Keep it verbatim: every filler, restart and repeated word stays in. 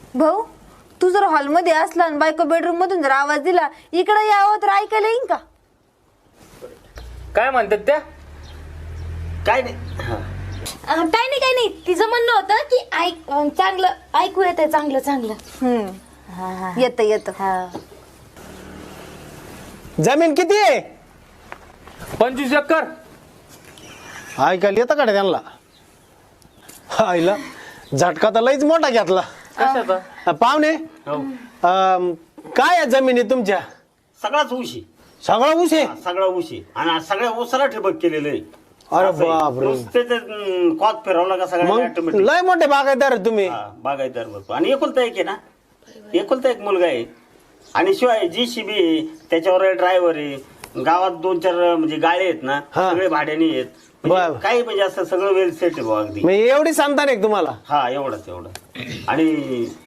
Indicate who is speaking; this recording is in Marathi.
Speaker 1: भाऊ तू जर हॉलमध्ये असला आणि बायको बेडरूम मधून जर आवाज दिला इकडे यावं तर ऐकायला येईन का?
Speaker 2: काय म्हणतात त्या?
Speaker 3: काय नाही
Speaker 4: काय नाही काय नाही तिचं म्हणणं होतं की ऐक अं, चांगलं ऐकू येतंय चांगलं चांगलं.
Speaker 1: हम्म येत येत.
Speaker 5: जमीन किती आहे?
Speaker 2: पंचवीस एकर.
Speaker 5: ऐकायला येतं का रे त्यांना? आईला झटका तर लईच मोठा घेतला.
Speaker 2: कशाचा?
Speaker 5: अ, पाहुणे
Speaker 3: हो.
Speaker 5: अम, काय आहे जमिनी तुमच्या?
Speaker 3: सगळाच ऊशी
Speaker 5: सगळा ऊस आहे?
Speaker 3: सगळा ऊशी आणि सगळ्या ऊसाला ठिबक केलेलं आहे.
Speaker 5: अरे
Speaker 3: असं आहे.
Speaker 5: बापरे.
Speaker 3: नुसते ते, अं, कॉक फिरवला का सगळ्या
Speaker 5: मग
Speaker 3: ऑटोमॅटिक
Speaker 5: लय मोठे बागायतदार आहे तुम्ही.
Speaker 3: बागायतदार बघतो आणि एकुलता एक आहे ना, एकुलता एक मुलगा आहे आणि शिवाय जी शिबी त्याच्यावर ड्रायव्हर आहे. गावात दोन चार म्हणजे गाळे आहेत ना,
Speaker 5: हा.
Speaker 3: सगळे भाड्याने आहेत.
Speaker 5: बर.
Speaker 3: म्हणजे काही म्हणजे असं सगळं वेल सेट आहे बुवा अगदी.
Speaker 5: म्हणजे एवढी संतान आहे का तुम्हाला?
Speaker 3: हा एवढंच एवढं आणि